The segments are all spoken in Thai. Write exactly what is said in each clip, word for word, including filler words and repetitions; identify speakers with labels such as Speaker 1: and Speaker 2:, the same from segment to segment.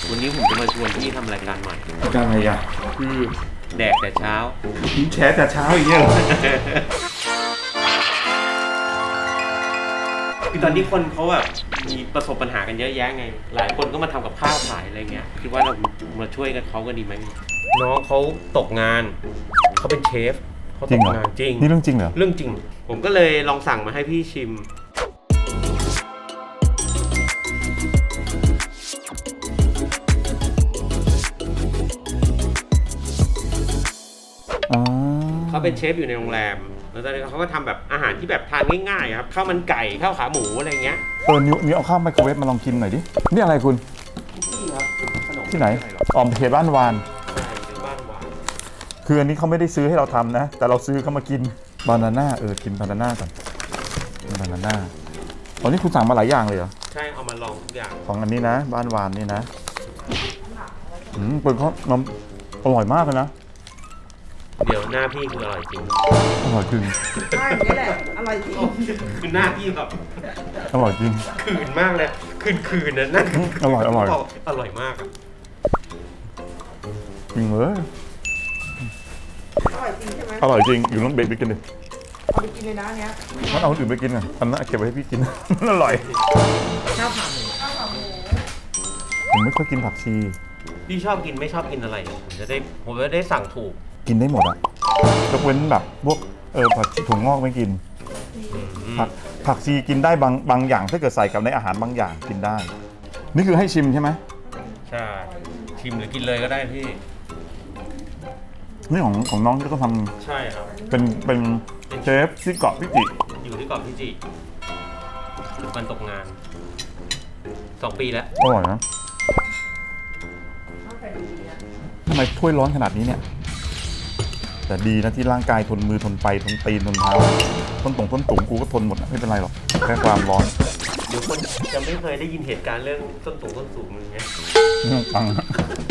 Speaker 1: วันนี้ผมจะมาชวนพี่ทำรายการใหม่
Speaker 2: รายการอะไรอ่ะ
Speaker 1: คือแดกแต่เช้า
Speaker 2: พี่แชร์แต่เช้าอย่างเงี้ยเหรอ
Speaker 1: คือตอนนี้คนเขาแบบมีประสบปัญหากันเยอะแยะไง หลายคนก็มาทำกับข้าวขายอะไรเงี้ยคิดว่าเรามาช่วยกันเขาก็ดีไหมน้องเขาตกงานเขาเป็นเชฟเขาตกงานจริง
Speaker 2: นี่เรื่องจริงเหรอ
Speaker 1: เรื่องจริง ผมก็เลยลองสั่งมาให้พี่ชิม
Speaker 2: อ๋อ
Speaker 1: เขาเป็นเชฟอยู่ในโรงแรม แล้วตอนนี้เขาก็ทำแบบอาหารที่แบบทานง่ายๆครับ ข้าวมันไก่ ข้าวขาหมูอะไรเงี้ย
Speaker 2: เออนิ้วนิ้วเอาข้าวไมโครเวฟมาลองกินหน่อยดิ นี่อะไรคุณ
Speaker 1: นี่ครับขนม
Speaker 2: ที่ไหน ออมเทบ้านวาน
Speaker 1: ใช่เป็นบ้านหวาน
Speaker 2: คืออันนี้เขาไม่ได้ซื้อให้เราทำนะ แต่เราซื้อเขามากิน บานาน่า เออ กินบานาน่าก่อนกินบานาน่าตอนนี้คุณสั่งมาหลายอย่างเลยเหรอ
Speaker 1: ใช่เอามาลองทุกอย่าง
Speaker 2: ของอันนี้นะ บ้านวานนี่นะ อืมเป็นข้าวน้ำอร่อยมากเลยนะ
Speaker 1: เดี๋ยวหน้าพี่คืออร่อยจริง
Speaker 2: อร่อยจริง
Speaker 3: ใช่อย่างนี้แหละ อร่อยจริง
Speaker 1: คือหน้าพี่แบบ
Speaker 2: อร่อยจริง
Speaker 1: คืนมากเลย คืนคืนนะนั่น
Speaker 2: อร่อยอร่อย
Speaker 1: อร่อยมากอะ
Speaker 2: จริงเลย
Speaker 3: อร่อยจริงใช่ไหม
Speaker 2: อร่อยจริง อยู่น้องเบรกไปกินดิ
Speaker 3: เอาไปกินเลยนะอันเนี้ย
Speaker 2: งั้นเอาคนอื่นไปกินอ่ะอันนั้นเก็บไว้ให้พี่กิน มันอร่อย
Speaker 3: ข้าวขาหมูข้าวขาหมู
Speaker 2: ผมไม่ค่อยกินผักชี
Speaker 1: พี่ชอบกินไม่ชอบกินอะไรผมจะได้ผมจะได้สั่งถูก
Speaker 2: กินได้หมดอ่ะยกเว้นแบบพวกเออผักชีถั่วงอกไม่กิน ผักผักชีกินได้บางบางอย่างถ้าเกิดใส่กับในอาหารบางอย่างกินได้ นี่คือให้ชิมใช่ไหม
Speaker 1: ใช่ชิมหรือกินเลยก็ได้พี่
Speaker 2: นี่ของของน้องที่เขาท
Speaker 1: ใช่ครับ
Speaker 2: ำเป็นเป็นเชฟที่เกาะพิจิ
Speaker 1: อยู่ที่เกาะพิจิมันตกงานสองปีแล้ว
Speaker 2: อร่อยนะ
Speaker 3: ข้าวไก่ดีนะ
Speaker 2: ทำไมถ้วยร้อนขนาดนี้เนี่ย แต่ดีนะที่ร่างกายทนมือทนไฟทนตีนทนเท้าต้นตรงต้นตุ่มกูก็ทนหมดนะไม่เป็นไรหรอกแค่ความร้อน
Speaker 1: เดี๋ยวคนจะไม่เคยได้ยินเหตุการณ์เรื่องต้นสูงต้นสูงอย่างเงี้ย
Speaker 2: ไม่ต้องฟังนะ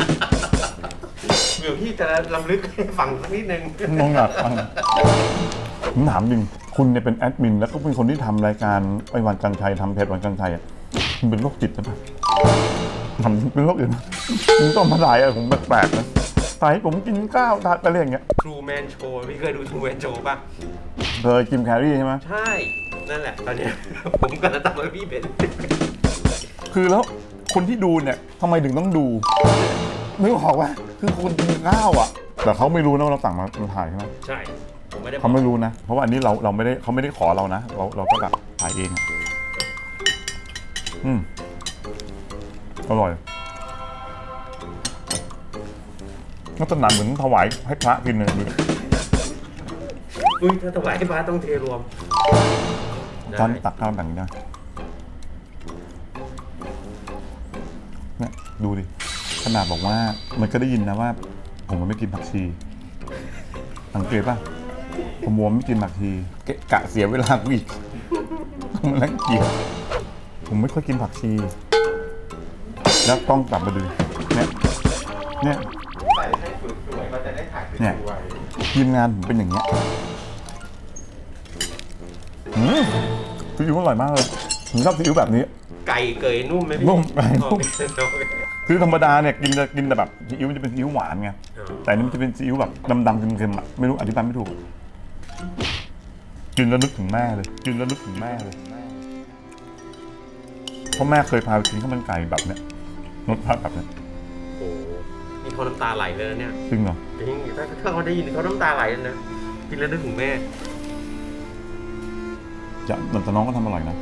Speaker 1: เดี๋ยวพี่จะลำลึกให้ฟังสักนิดนึง
Speaker 2: น้องอยากฟังผมถามจริงคุณเนี่ยเป็นแอดมินแล้วก็เป็นคนที่ทำรายการไอ้วันกันชัยทำเพจวันกันชัยอ่ะคุณเป็นโรคจิตใช่ปะทำเป็นโรคอื่นมึงต้องมาถ่ายอะไรผมแปลกๆนะถ่ายให้ผมกินข้าวทานอะไรอย่างเงี้ย
Speaker 1: True Man Show พี่เคยดู True Man Show ป่ะ
Speaker 2: เคยจิมแคร์รี่ใช่ไหม
Speaker 1: ใช่ นั่นแหละ ตอนเนี้ย ผมกำลังทำให้พี่เป็น
Speaker 2: คือแล้วคนที่ดูเนี่ยทำไมถึงต้องดูนึกออกว่าคือคนกินข้าวอ่ะแต่เขาไม่รู้นะว่าเราสั่งมามาถ่ายใช่ไหม
Speaker 1: ใช่ ผมไม่ได้บอก
Speaker 2: เขาไม่รู้นะ เพราะว่าอันนี้เราเราไม่ได้เขาไม่ได้ขอเรานะ เราเราก็แบบถ่ายเองอะอืมอร่อยลักษณะเหมือนถวายให้พระกินเลยดูดิ
Speaker 1: อุ้ยถ้าถวายให้พระต้องเทรวม
Speaker 2: ตอนตักข้าวแบบนี้นะเนี่ยดูดิขนาดบอกว่ามันก็ได้ยินนะว่า ผมมันไม่กินผักชีสังเกตป่ะผมมัวไม่กินผักชีเกะกะเสียเวลากูอีกมันรังเกียจผมไม่ค่อยกินผักชี แล้วต้องกลับมาดูเนี่ยเนี่ย
Speaker 4: ใส่ให้สวยๆมันจะได้ถ่ายส
Speaker 2: เนี่ย
Speaker 4: วย
Speaker 2: ทีมงานผมเป็นอย่างเงี้ยอืมซีอิ๊วอร่อยมากเลยผมชอบซีอิ๊วแบบนี้
Speaker 1: ไก่เกยนุ่มไหมพี่
Speaker 2: นุ่มไก่นุ่ม
Speaker 1: โอเคโอเค
Speaker 2: คือธรรมดาเนี่ยกินจะกินแต่แบบซีอิ๊วมันจะเป็นซีอิ๊วหวานไง
Speaker 1: อ๋อ
Speaker 2: แต่อันนี่มันจะเป็นซีอิ๊วแบบดำๆเค็มๆอ่ะไม่รู้อธิบายไม่ถูก กินแล้วนึกถึงแม่เลย กินแล้วนึกถึงแม่เลยเพราะแม่เคยพาไปกินข้าวมันไก่แบบเนี้ยรสชาติแบบเนี้ย
Speaker 1: โอ้โหนี่เขาน้ำตาไหลเลยนะเนี่ย
Speaker 2: จริงเหรอ
Speaker 1: จริงถ้าถ้าเขาได้ยินเขาน้ำตาไหลเลยนะกินแล้วนึกถึงแม่
Speaker 2: จะแต่น้องก็ทำอร่อยนะ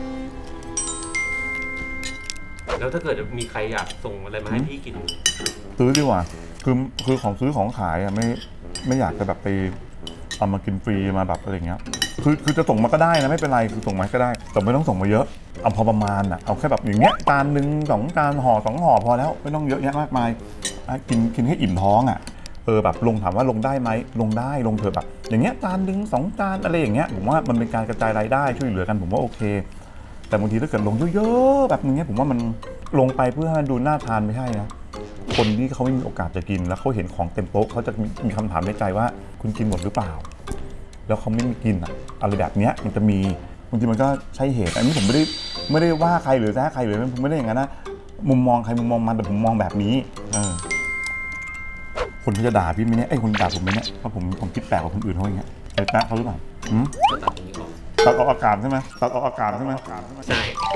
Speaker 1: แล้วถ้าเกิดมีใครอยากส่งอะไรมาให้พี่กิน
Speaker 2: ซื้อดีกว่า คือคือของซื้อของขายอ่ะไม่ไม่อยากจะแบบไปเอามากินฟรีมาแบบอะไรเงี้ย คือคือจะส่งมาก็ได้นะไม่เป็นไรคือส่งมาก็ได้ แต่ไม่ต้องส่งมาเยอะ เอาพอประมาณอ่ะ เอาแค่แบบอย่างเงี้ยจานหนึ่งสองจานห่อสองห่อพอแล้วไม่ต้องเยอะแยะมากมายอ่ะกินกินให้อิ่มท้องอ่ะ เออแบบลงถามว่าลงได้ไหมลงได้ลงเถอะแบบ อย่างเงี้ยจานหนึ่งสองจานอะไรอย่างเงี้ยผมว่ามันเป็นการกระจายรายได้ช่วยเหลือกันผมว่าโอเค แต่บางทีถ้าเกิดลงเยอะๆแบบนี้ผมว่ามันลงไปเพื่อให้มันดูน่าทานไม่ใช่นะ คนที่เขาไม่มีโอกาสจะกินแล้วเขาเห็นของเต็มโต๊ะเขาจะมีคำถามในใจว่าคุณกินหมดหรือเปล่า แล้วเขาไม่มีกินอะอะไรแบบเนี้ยมันจะมีบางทีมันก็ใช่เหตุอันนี้ผมไม่ได้ไม่ได้ว่าใครหรือแซะใครเลยผมไม่ได้อย่างนั้นนะมุมมองใครมุมมองมันแต่ผมมองแบบนี้เออคนเขาจะด่าพี่ไหมเนี่ยไอ้ยคนด่าผมไหมเนี่ยเพราะผมผมคิดแปลกกว่าคนอื่นเขาอย่างเงี้ยไอ้แป๊ะเขาหรือเปล่าหืม
Speaker 1: ก็ตัดตรงนี้ออก
Speaker 2: ตัดออกอากาศใช่ไหมตัดออกอากาศใช่ไหม
Speaker 1: ใช่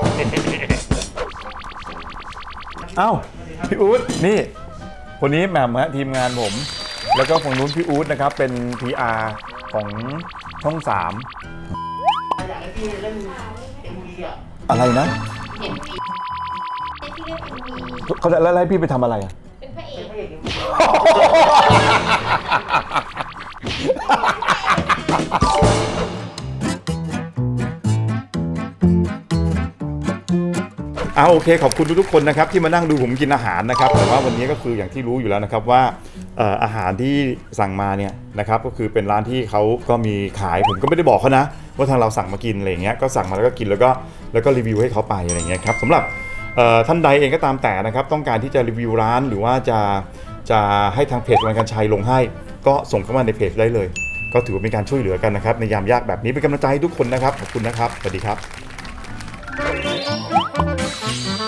Speaker 2: เอ้าพี่อู๊ดนี่คนนี้แหม่มฮะทีมงานผม แล้วก็ฝั่งนู้นพี่อู๊ดนะครับเป็น พี อาร์ ของช่องสาม
Speaker 4: อยากให้พี่เล่นเอ็มวีอ่ะ
Speaker 2: อะไรนะ
Speaker 5: เห็นพี่ที่เล่นเอ็มวี
Speaker 2: เขาจะแล้วให้พี่ไปทำอะไรอ่ะ
Speaker 5: เป็นพระเอก
Speaker 4: พระเอกเอ็มวี
Speaker 2: เอาโอเคขอบคุณทุกๆคนนะครับที่มานั่งดูผมกินอาหารนะครับแต่ว่าวันนี้ก็คืออย่างที่รู้อยู่แล้วนะครับว่าเอ่ออาหารที่สั่งมาเนี่ยนะครับก็คือเป็นร้านที่เขาก็มีขายผมก็ไม่ได้บอกเขานะว่าทางเราสั่งมากินอะไรอย่างเงี้ยก็สั่งมาแล้วก็กินแล้วก็แล้วก็รีวิวให้เขาไปอะไรอย่างเงี้ยครับสำหรับเอ่อท่านใดเองก็ตามแต่นะครับต้องการที่จะรีวิวร้านหรือว่าจะจะให้ทางเพจวันกันชัยลงให้ก็ส่งเข้ามาในเพจได้เลย ก็ถือว่าเป็นการช่วยเหลือกันนะครับในยามยากแบบนี้เป็นกำลังใจให้ทุกคนนะครับขอบคุณนะครับสวัสดีครับ